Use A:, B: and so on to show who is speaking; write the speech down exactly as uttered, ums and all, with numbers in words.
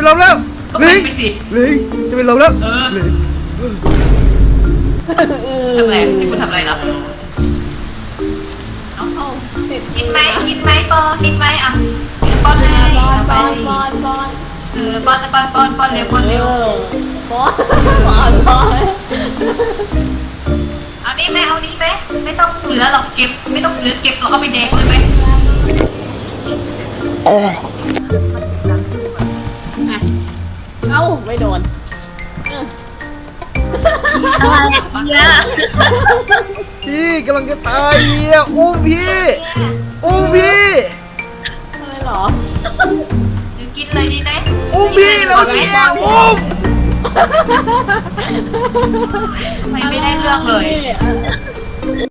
A: ลมแล้ว
B: ก็
A: ลิง
B: ไปสิ
A: ลิงจะเป็นลมแล้ว
B: เออ
A: ลิง
B: ทำอะไรให้กูทำอะไรล่ะเอา
C: เอาติด
B: กินไหมกินไหมปอกินไหมอ่ะป้อนเลย
C: บอลบ
B: ไป
C: อลบอลบอล
B: เออป้อนป้อนป้อนป้อนเร็วป้อนเร็ว
C: บอลบอลบอล
B: เอานี่ไหมเอานี่ไหมไม่ต้องเหลือหรอกเก็บไม่ต้องเหลือเก็บเราเอาไปแดกเลยไหม
C: เอ้าไม่โดน
B: อะไรเนี่ย
A: พี่กำลังจะตายเฮียอุ้มพี่อุ้มพี่
C: อะไรหรอ
B: หรือกินเลยดีไหม
A: อุ้มพี่แล้วเฮียอุ้ม
B: ไม่ไม่ได้เรื่องเลย
C: อะไร